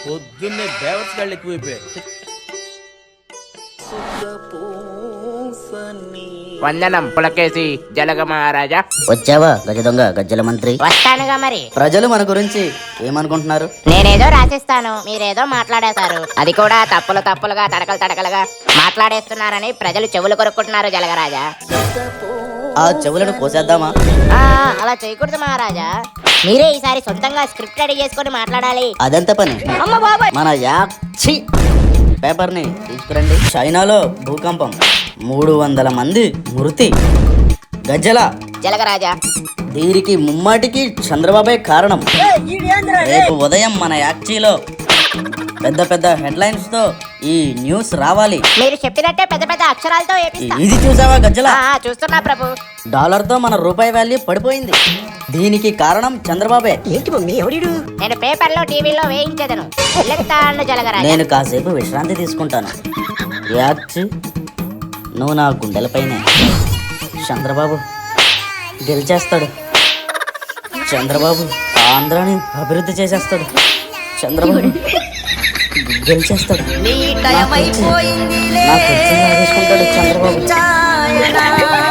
పొద్దున్నే బేవర్స్ గాళ్ళు ఎక్కువైపోయారు. వందనం పులకేసి జలగ మహారాజా. వచ్చావా గజ దొంగ గజ్జల మంత్రి? వస్తానుగా మరి. ప్రజలు మన గురించి ఏమనుకుంటున్నారు? నేనేదో రాసిస్తాను, మీరేదో మాట్లాడేశారు. అది కూడా తప్పులుగా తడకలుగా మాట్లాడేస్తున్నారని ప్రజలు చెవులు కొరుక్కుంటున్నారు జలగరాజా. ఆ చెవులను కోసేద్దామా? అలా చేయకూడదు మహారాజా. మీరే ఈసారి సొంతంగా స్క్రిప్ట్ రెడీ చేసుకొని మాట్లాడాలి. అదెంత పని? మన యాక్షి పేపర్ ని తీసుకురండి. చైనాలో భూకంపం, 300 మంది మృతి. గజ్జల జలగరాజా, దీనికి ముమ్మాటికి చంద్రబాబే కారణం. రేపు ఉదయం మన యాక్చీలో పెద్ద హెడ్లైన్స్ తో ఈ న్యూస్ రావాలి. మీరు చెప్పినట్టే పెద్ద అక్షరాలతో ఏపిస్తా. ఇది చూసావా గజ్జల? చూస్తున్నా ప్రభు. డాలర్ తో మన రూపాయి వాల్యూ పడిపోయింది. దీనికి కారణం చంద్రబాబే. నేను పేపర్లో టీవీలో వేయించేదను. వెళ్ళెత్తాను జలగరాజా. నేను కాసేపు విశ్రాంతి తీసుకుంటాను. యాక్చి, నువ్వు నా గుండెలపైనే. చంద్రబాబు గెలిచేస్తాడు. చంద్రబాబు ఆంధ్రాని అభివృద్ధి చేసేస్తాడు. చంద్రబాబు గెలిచేస్తాడు. నా కుర్చీని లాగేసుకుంటాడు చంద్రబాబు.